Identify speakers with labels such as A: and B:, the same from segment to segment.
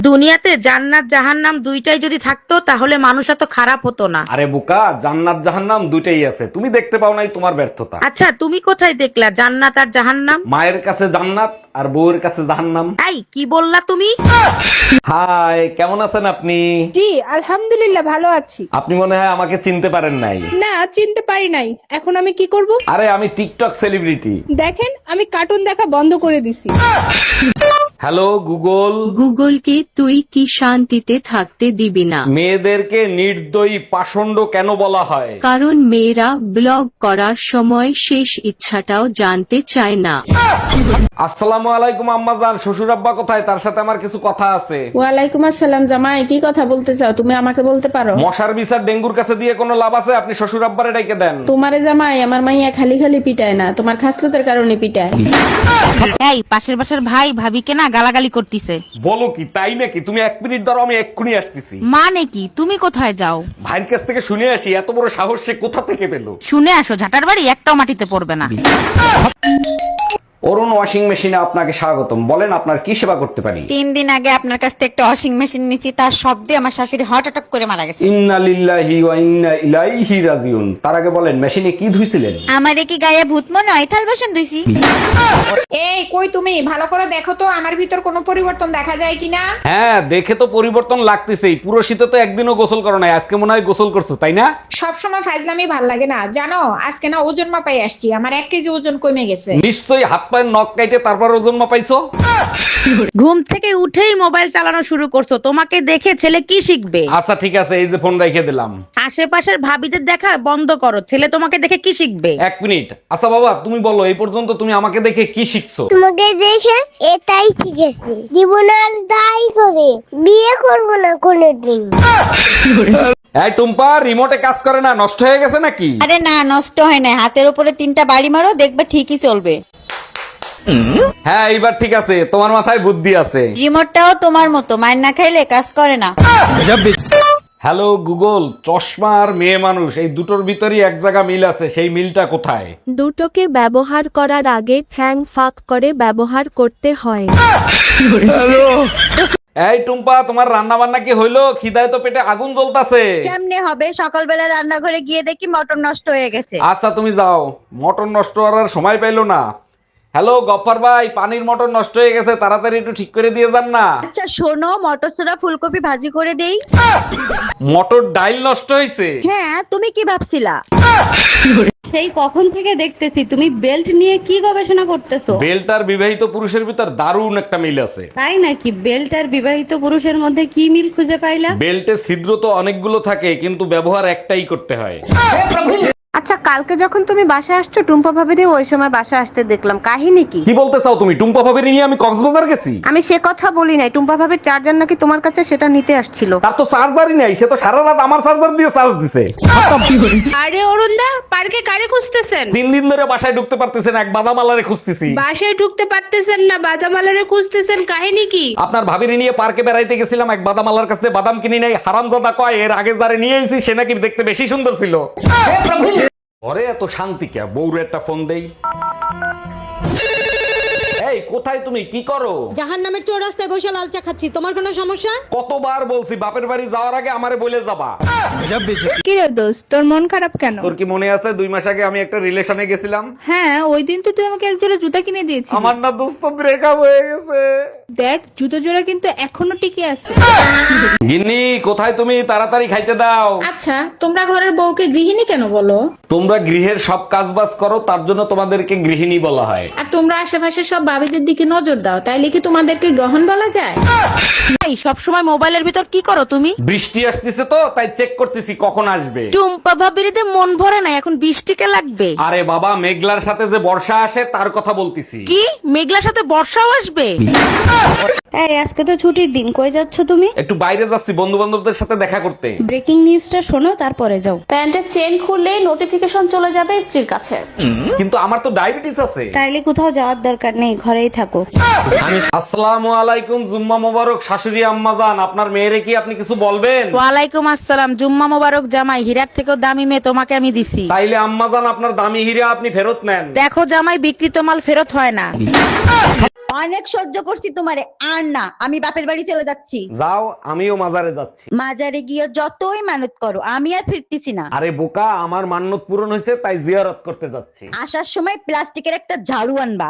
A: দুনিয়াতে জান্নাত জাহান্নাম দুইটাই যদি থাকতো তাহলে মানুষ এত খারাপ হতো না।
B: আরে বোকা, জান্নাত জাহান্নাম দুইটাই আছে, তুমি দেখতে পাও নাই, তোমার ব্যর্থতা।
A: আচ্ছা তুমি কোথায় দেখলা জান্নাত আর জাহান্নাম?
B: মায়ের কাছে জান্নাত আর বউয়ের কাছে জাহান্নাম।
A: এই কি বললা তুমি?
B: হাই, কেমন আছেন আপনি?
C: জি আলহামদুলিল্লাহ ভালো আছি।
B: আপনি মনে হয় আমাকে চিনতে পারেন নাই।
C: না চিনতে পারি নাই। এখন আমি কি করব?
B: আরে আমি টিকটক সেলিব্রিটি।
C: দেখেন আমি কার্টুন দেখা বন্ধ করে দিছি।
B: Hello Google.
D: গুগলকে তুই কি শান্তিতে থাকতে দিবি না?
B: মেয়েদেরকে নির্দয়ী পাষণ্ড কেন বলা হয়?
D: কারণ মেয়েরা ব্লগ করার সময় শেষ ইচ্ছাটাও জানতে চায় না।
B: আসসালামু আলাইকুম আম্মাজান, শ্বশুর আব্বা কোথায়? তার সাথে আমার কিছু কথা আছে।
C: ওয়ালাইকুম আসসালাম জামাই, কি কথা বলতে চাও? তুমি আমাকে বলতে পারো।
B: মশার বিচার ডেঙ্গুর কাছে দিয়ে কোনো লাভ আছে? আপনি শ্বশুর আব্বারে ডাইকে দেন।
C: তোমারে জামাই আমার মাইয়া খালি খালি পিটায় না, তোমার খাসলতের কারণে পিটায়।
A: এই পাশের বাসার ভাই ভাবিকে না গালাগালি করতিছে।
B: বলো কি, তাই নাকি? তুমি 1 মিনিট ধরো, আমি এক্ষুনি আসতেছি।
A: মানে কি তুমি কোথায় যাও?
B: ভাইয়ের কাছ থেকে শুনে আসি, এত বড় সাহস সে কোথা থেকে পেলো।
A: শুনে আসো, ঝাটার বাড়ি একটাও মাটিতে পড়বে না।
B: অরুণ ওয়াশিং মেশিনে আপনাকে স্বাগতম। বলেন আপনার কি সেবা করতে পারি?
E: 3 দিন আগে আপনার কাছ থেকে একটা ওয়াশিং মেশিন নিয়েছি, তার শব্দে আমার শাশুড়ি হার্ট অ্যাটাক করে মারা গেছে।
B: ইন্না লিল্লাহি ওয়া ইন্না ইলাইহি রাজিউন। তার আগে বলেন মেশিনে কি ধুইছিলেন?
E: আমারে কি গায়ে ভূত মনে হয়? থাল বাসন ধুইছি।
C: এই কই তুমি? ভালো করে দেখো তো আমার ভিতর কোনো পরিবর্তন দেখা যায় কিনা।
B: হ্যাঁ, দেখে তো পরিবর্তন লাগতেছেই। পুরো শীতে তো একদিনও গোসল করো নাই, আজকে মনে হয় গোসল করছো, তাই না?
C: সব সময় ফাজলামি ভাল লাগে না জানো। আজকে না ওজন মাপাই আসছি, আমার 1 কেজি ওজন কমে গেছে।
B: নিশ্চয়ই হাত পায়ের নখ কাইটে তারপর ওজন মাপাইছো।
A: ঘুম থেকে উঠেই মোবাইল চালানো শুরু করছো, তোমাকে দেখে ছেলে কি শিখবে?
B: আচ্ছা ঠিক আছে, এই যে ফোন রেখে দিলাম।
A: আশেপাশের ভাবিদের দেখা বন্ধ করো, ছেলে তোমাকে দেখে কি শিখবে?
B: 1 মিনিট। আচ্ছা বাবা, তুমি বলো এই পর্যন্ত তুমি আমাকে দেখে কি শিখছো?
F: তোমাকে দেখে এটাই শিখেছি, জীবন আর দায়ী করে বিয়ে করবো না কোনোদিন।
B: এই টুম্পা, রিমোটে কাজ করে না, নষ্ট হয়ে গেছে নাকি?
E: আরে না, নষ্ট হয় না। হাতের উপরে 3টা বাড়ি মারো, দেখবে ঠিকই চলবে।
B: হ্যাঁ এইবার ঠিক আছে, তোমার মাথায় বুদ্ধি আছে।
E: রিমোটটাও তোমার মতো, মার না খাইলে কাজ করে না।
B: হ্যালো গুগল, চশমা আর মেয়ে মানুষ এই দুটোর ভিতরই এক জায়গা মিল আছে, সেই মিলটা কোথায়?
G: দুটোকে ব্যবহার করার আগে ঠ্যাং ফাঁক করে ব্যবহার করতে হয়।
B: এই টুম্পা, তোমার রান্না বান্না কি হইলো? খিদায় তো পেটে আগুন জ্বলতাছে।
E: কেমনে হবে? সকালবেলা রান্নাঘরে গিয়ে দেখি মটর নষ্ট হয়ে গেছে।
B: আচ্ছা তুমি যাও, মটর নষ্ট করার সময় পাইলো না। হ্যালো গফফার ভাই, পানির মটর নষ্ট হয়ে গেছে, তাড়াতাড়ি একটু ঠিক করে দিয়ে যান না।
E: আচ্ছা শোনো, মটর ছোড়া ফুলকপি ভাজি করে দেই।
B: মটর ডাইল নষ্ট হয়েছে।
E: হ্যাঁ, তুমি কি ভাবছিলা?
C: সেই কখন থেকে দেখতেছি তুমি বেল্ট নিয়ে কি গবেষণা করতেছো।
B: বেল্ট আর বিবাহিত পুরুষের ভিতর দারুণ একটা মিল আছে।
C: তাই নাকি? বেল্ট আর বিবাহিত পুরুষের মধ্যে কি মিল খুঁজে পাইলা?
B: বেল্টে ছিদ্র তো অনেকগুলো থাকে, কিন্তু ব্যবহার একটাই করতে হয়।
H: আচ্ছা কালকে যখন তুমি বাসা আসছো টুম্পা ভাবিরে ওই সময় বাসা আসতে দেখলাম, কাহিনী কি?
B: কি বলতে চাও তুমি? টুম্পা ভাবির নিয়ে আমি কক্সবাজার গেছি?
H: আমি সে কথা বলি নাই, টুম্পা ভাবির চার্জার নাকি তোমার কাছে, সেটা নিতে আসছিল।
B: তার তো চার্জারই নাই, সে তো সারা রাত আমার চার্জার দিয়ে চার্জ দিছে।
C: আরে অরুণদা, পার্কে কারে খুঁজতেছেন?
B: 3 দিন ধরে বাসায় ঢুকতে পারতেছেন, এক বাদামালারে খুঁজতেছি।
C: বাসায় ঢুকতে পারতেছেন না, বাদামালারে খুঁজতেছেন, কাহিনী কি?
B: আপনার ভাবিরে নিয়ে পার্কে বেড়াইতে গেছিলাম, এক বাদামালার কাছে বাদাম কিনি নাই। হারামজাদা কয় এর আগে যারে নিয়ে এসেছি সে নাকি দেখতে বেশি সুন্দর ছিল। ঘরে এত শান্তি কে? বউরে একটা ফোন দেই। এই কোথায় তুমি, কি করো?
C: জাহান্নামের চৌরাস্তায় বসে লাল চা খাচ্ছি, তোমার কোনো সমস্যা?
B: কতবার বলছি বাপের বাড়ি যাওয়ার আগে আমারে বলে যাবা।
C: কি রে দোস্ত, তোর মন খারাপ কেন?
B: তোর কি মনে আছে 2 মাস আগে আমি একটা রিলেশনে গেছিলাম?
C: হ্যাঁ, ওই দিন তো তুই আমাকে এক জোড়া জুতা কিনে দিয়েছিস।
B: আমার না দোস্ত ব্রেকআপ হয়ে গেছে।
C: দেখ জুতো জোড়া কিন্তু এখনো টিকে আছে।
B: গিন্নি কোথায় তুমি? তাড়াতাড়ি খাইতে দাও।
C: আচ্ছা তোমরা ঘরের বউকে গৃহিণী কেন বলো?
B: তোমরা গৃহের সব কাজ বাজ করো, তার জন্য তোমাদেরকে গৃহিণী বলা হয়।
C: আর তোমরা আশেপাশে সব ভাবিদের দিকে নজর দাও, তাইলে কি তোমাদেরকে গ্রহণ বলা যায়?
A: এই সব সময় মোবাইলের ভিতর কি করো তুমি?
B: বৃষ্টি আসতেছে তো তাই চেক করতেছি কখন আসবে।
A: টুম্পা ভাবিরিতে মন ভরে না, এখন বৃষ্টিকে লাগবে।
B: আরে বাবা, মেঘলার সাথে যে বর্ষা আসে তার কথা বলতেছি।
A: কি মেঘলার সাথে বর্ষাও আসবে?
H: এই আজকে তো ছুটির দিন, কই যাচ্ছ তুমি?
B: একটু বাইরে যাচ্ছি বন্ধু বান্ধবদের সাথে দেখা করতে।
H: ব্রেকিং নিউজটা শোনো তারপরে যাও।
I: প্যান্টের চেন খুললে নোটিফিকেশন চলে যাবে স্ত্রীর কাছে।
B: কিন্তু আমার তো ডায়াবেটিস আছে।
H: তাইলে কোথাও যাওয়ার দরকার নেই, ঘরেই থাকো।
B: আসসালামু আলাইকুম, জুম্মা মোবারক শাশুড়ি আম্মাজান। আপনার মেয়েরে কি আপনি কিছু বলবেন?
A: ওয়ালাইকুম আসসালাম, জুম্মা মোবারক জামাই, হীরার থেকেও দামি মেয়ে তোমাকে আমি দিছি।
B: তাইলে আম্মাজান আপনার দামি হীরা আপনি ফেরত নেন।
A: দেখো জামাই, বিক্রিত মাল ফেরত হয় না।
E: অনেক সহ্য করছি তোমারে, আর না, আমি বাপের বাড়ি চলে যাচ্ছি।
B: যাও, আমিও মাজারে যাচ্ছি।
E: মাজারে গিয়ে যতই মানত করো, আমি আর ফিরতেছি না।
B: আরে বোকা, আমার মান্যত পূরণ হয়েছে তাই জিয়ারত করতে যাচ্ছি।
E: আসার সময় প্লাস্টিকের একটা ঝাড়ু আনবা।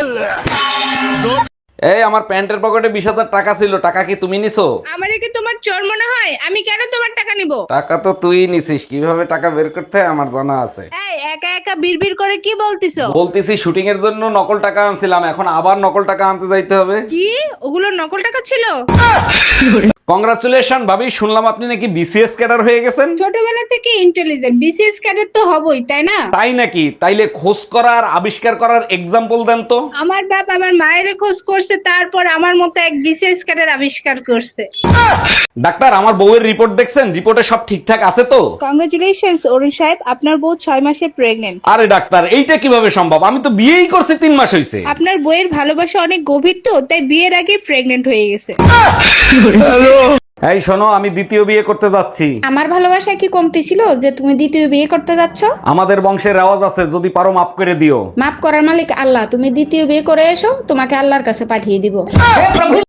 B: এই আমার প্যান্টের পকেটে 20,000 টাকা ছিল, টাকা কি তুমি নিছো?
C: আমারে কি তোমার চোর মনে হয়? আমি কেন তোমার টাকা নিব?
B: টাকা তো তুই নিছিস, কিভাবে টাকা বের করতে হয় আমার জানা আছে।
C: এই একা একা বিড়বিড় করে কি বলতিছো?
B: বলতেছি শুটিং এর জন্য নকল টাকা আনছিলাম, এখন আবার নকল টাকা আনতে যাইতে হবে।
C: কি ওগুলো নকল টাকা ছিল?
B: কংগ্রাচুলেশন ভাবি, শুনলাম আপনি নাকি বিসিএস ক্যাডার হয়ে গেছেন।
C: ছোটবেলা থেকে ইন্টেলিজেন্ট, বিসিএস ক্যাডেট তো হবই, তাই না?
B: তাই নাকি? তাইলে খোঁজ করার আবিষ্কার করার এক্সাম্পল দেন তো।
C: আমার বাপ আমার মায়ের খোঁজ করছে, তারপর আমার মতো এক বিসিএস ক্যাডেট আবিষ্কার করছে।
B: ডাক্তার, আমার বউয়ের রিপোর্ট দেখছেন? রিপোর্টে সব ঠিকঠাক আছে তো?
C: কংগ্রেচুলেশনস অরুণ সাহেব, আপনার বউ 6 মাসে প্রেগনেন্ট।
B: আরে ডাক্তার, এইটা কিভাবে সম্ভব? আমি তো বিয়েই করছি 3 মাস হইছে।
C: আপনার বইয়ের ভালোবাসা অনেক গভীর তো, তাই বিয়ের আগে প্রেগনেন্ট হয়ে গেছে।
B: এই শোনো, আমি দ্বিতীয় বিয়ে করতে যাচ্ছি।
C: আমার ভালোবাসা কি কমতি ছিল যে তুমি দ্বিতীয় বিয়ে করতে যাচ্ছ?
B: আমাদের বংশের রেওয়াজ আছে, যদি পারো মাফ করে দিও।
C: মাফ করার মালিক আল্লাহ, তুমি দ্বিতীয় বিয়ে করে এসো, তোমাকে আল্লাহর কাছে পাঠিয়ে দিব।